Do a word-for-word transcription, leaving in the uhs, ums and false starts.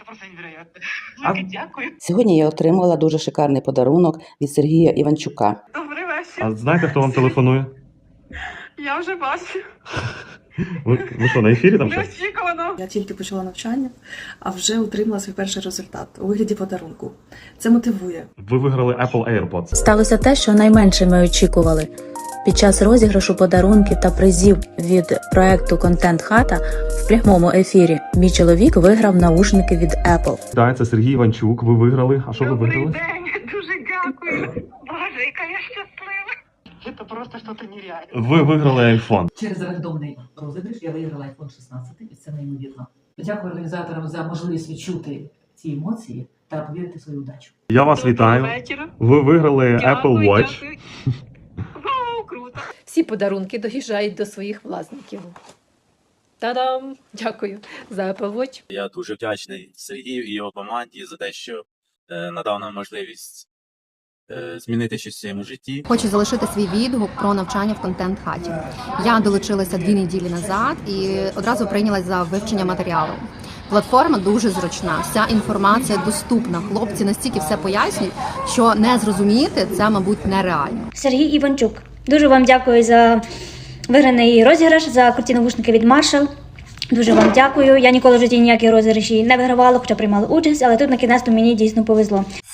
просто невероятно. А- Велике дякую. Сьогодні я отримала дуже шикарний подарунок від Сергія Іванчука. Добрий вечір. А знаєте, хто вам телефонує? Я вже бачу. Ви, ви що, на ефірі там щось? Неочікувано. Я тільки почала навчання, а вже отримала свій перший результат у вигляді подарунку. Це мотивує. Ви виграли Apple AirPods. Сталося те, що найменше ми очікували. Під час розіграшу подарунків та призів від проекту «Контент Хата» в прямому ефірі мій чоловік виграв наушники від Apple. Так, це Сергій Іванчук. Ви виграли. А що ви Добрий виграли? день. Дуже дякую. Боже, яка я щаслива. Це просто щось нереальне. Ви виграли iPhone. Через рандомний розіграш я виграла айфон шістнадцять, і це неймовірно. Дякую організаторам за можливість відчути ці емоції та повірити в свою удачу. Я вас вітаю. вечора. Ви виграли Дякую, Apple Watch. дякую. Вау, круто. Всі подарунки доїжджають до своїх власників. Та-дам! Дякую за Apple Watch. Я дуже вдячний Сергію і його команді за те, що е, надав нам можливість е, змінити щось в своєму житті. Хочу залишити свій відгук про навчання в контент-хаті. Я долучилася дві неділі назад і одразу прийнялась за вивчення матеріалу. Платформа дуже зручна, вся інформація доступна. Хлопці настільки все пояснюють, що не зрозуміти це, мабуть, нереально. Сергій Іванчук. Дуже вам дякую за виграний розіграш, за круті навушники від Marshall. Дуже вам дякую. Я ніколи в житті ніякі розіграші не вигравала, хоча приймала участь, але тут на кінець мені дійсно повезло.